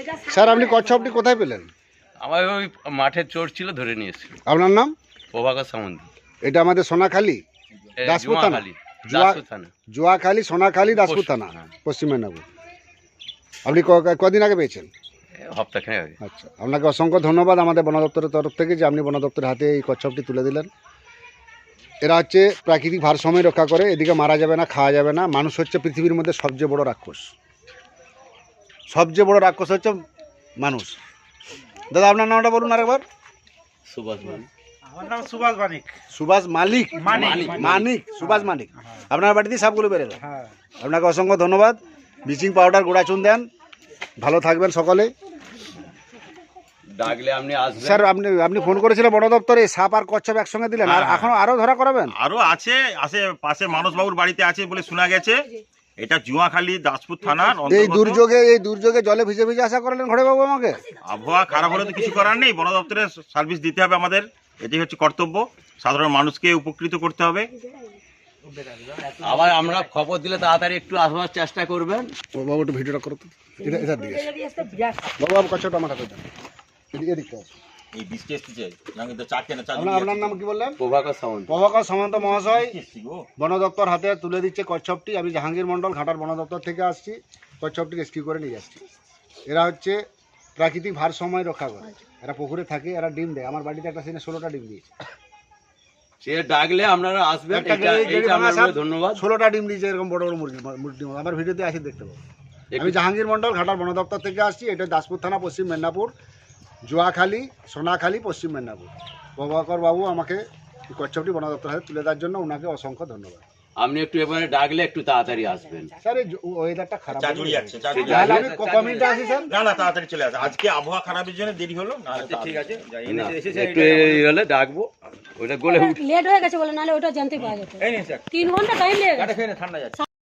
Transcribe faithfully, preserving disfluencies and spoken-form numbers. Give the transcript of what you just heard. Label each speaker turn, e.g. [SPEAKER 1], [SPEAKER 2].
[SPEAKER 1] Sir আপনি কচ্ছপটি কোথায় পেলেন?
[SPEAKER 2] আমার ওই মাঠের চোর ছিল, ধরে নিয়েছি।
[SPEAKER 1] আপনার নাম?
[SPEAKER 2] প্রভাকর সামন্ত।
[SPEAKER 1] এটা আমাদের সোনাখালী দাসপুর থানা,
[SPEAKER 2] দাসপুর থানা,
[SPEAKER 1] জুয়াখালী সোনাখালী দাসপুর থানা, পশ্চিম মেদিনীপুর। আপনি ক- কদিন আগে পেয়েছেন?
[SPEAKER 2] হপ্তাখানেক আগে।
[SPEAKER 1] আচ্ছা, আপনাকে অসংখ্য ধন্যবাদ আমাদের বন দপ্তরের তরফ থেকে যে আপনি বন দপ্তরের হাতে এই কচ্ছপটি তুলে দিলেন। এরা হচ্ছে প্রাকৃতিক ভারসাম্য রক্ষা করে, এদিকে মারা যাবে না, খাওয়া যাবে না। মানুষ হচ্ছে পৃথিবীর মধ্যে সবচেয়ে বড় রাক্ষস, সবচেয়ে বড় রাক্ষস হচ্ছে মানুষ। দাদা আপনার নামটা বলুন আরেকবার।
[SPEAKER 2] সুভাষ মালিক।
[SPEAKER 3] আমার নাম সুভাষ মানিক।
[SPEAKER 1] সুভাষ মালিক।
[SPEAKER 3] মানিক।
[SPEAKER 1] মানিক সুভাষ মানিক। আপনার বাড়িতে সাপগুলো বেরোলো।
[SPEAKER 3] হ্যাঁ।
[SPEAKER 1] আপনাকে অসংখ্য ধন্যবাদ। ব্লিচিং পাউডার গোড়া চুন দেন। ভালো থাকবেন সকলে।
[SPEAKER 2] ডাকলে আপনি আসবেন।
[SPEAKER 1] স্যার আপনি আপনি ফোন করেছিলেন বন দপ্তরে, সাপ আর কচ্ছপ একসঙ্গে দিলেন, আর
[SPEAKER 4] হ্যাঁ।
[SPEAKER 1] এখন আরো ধরা করাবেন?
[SPEAKER 4] আরো আছে, আছে পাশে মানসবাবুর বাড়িতে আছে বলে শোনা গেছে। এটা জুয়াখালী দাসপুর থানার
[SPEAKER 1] এই
[SPEAKER 4] অন্তর্গত।
[SPEAKER 1] দুর্যোগে এই দুর্যোগে জলে ভিজে ভিজে আশা করলেন ঘরে বাবু আমাকে?
[SPEAKER 4] আবহাওয়া খারাপ হলে তো কিছু করার নেই, বন দপ্তরের সার্ভিস দিতে হবে আমাদের, এটাই হচ্ছে কর্তব্য। সাধারণ মানুষকে উপকৃত করতে হবে।
[SPEAKER 2] আবার আমরা খবর দিলে তাড়াতাড়ি একটু আসবার চেষ্টা করবেন।
[SPEAKER 1] ও বাবু একটু ভিডিওটা করো তো। এটা এটা দিয়ে বাবু বাবু কচ্ছপটা আমার হাতে দেন। এদিকে এদিকে আসো।
[SPEAKER 4] এই বৃষ্টি এসেছে না, কিন্তু চারটে না
[SPEAKER 1] আপনার আপনার নাম কি বললেন?
[SPEAKER 2] প্রভাকর সামন্ত।
[SPEAKER 1] প্রভাকর সামন্ত মহাশয়
[SPEAKER 4] গো।
[SPEAKER 1] বন দপ্তর হাতে তুলে দিচ্ছে কচ্ছপটি। আমি জাহাঙ্গীর মণ্ডল ঘাটার বন দপ্তর থেকে আসছি, কচ্ছপটি রেস্কিউ করে নিয়ে যাচ্ছি। এরা হচ্ছে প্রাকৃতিক ভারসাম্য রক্ষা করে, এরা পুকুরে থাকে, এরা ডিম দেয়। আমার বাড়িতে একটা সিনে ষোলোটা ডিম দিয়েছে।
[SPEAKER 2] সে ডাকলে আপনারা আসবেন।
[SPEAKER 1] একটা
[SPEAKER 2] এটা
[SPEAKER 1] গেড়ে-
[SPEAKER 2] এইটা
[SPEAKER 1] গেড়ে ভাঙা
[SPEAKER 2] আপনাদের
[SPEAKER 1] সাপ,
[SPEAKER 2] ধন্যবাদ।
[SPEAKER 1] ষোলোটা ডিম দিয়েছে এরকম বড় বড় মুরগি মুরগি। আমার ভিডিওতে আসি দেখতে পাবো। আমি জাহাঙ্গীর মণ্ডল ঘাটার বন দপ্তর থেকে আসছি। এটা দাসপুর থানা, পশ্চিম মেদিনীপুর, জুয়াখালী সোনাখালী, পশ্চিম মেদিনীপুর। প্রভাকর বাবু আমাকে এই কচ্ছপটি বন দপ্তর হাতে তুলে দেওয়ার জন্য ওনাকে অসংখ্য ধন্যবাদ।
[SPEAKER 2] আপনি একটু এবারে ডাকলে একটু তাড়াতাড়ি আসবেন।
[SPEAKER 1] স্যার এই ওয়েদারটা খারাপ,
[SPEAKER 4] চা জুড়ে যাচ্ছে, চা জুড়ে
[SPEAKER 1] তাহলে
[SPEAKER 4] যাচ্ছে।
[SPEAKER 1] আমি ক- কমিটিতে আসি স্যার।
[SPEAKER 4] না না, তাড়াতাড়ি চলে আসে। আজকে আবহাওয়া খারাপের জন্য দেরি হলো, না ঠিক আছে।
[SPEAKER 2] না, একটু এই হলে ডাকবো, ওটা গলে উঠে
[SPEAKER 5] লেট হয়ে গেছে বলে, নাহলে ওটা জানতে পাওয়া যেত। তিন ঘন্টা টাইম লেগে গেছে।
[SPEAKER 4] ঠান্ডা যাচ্ছে।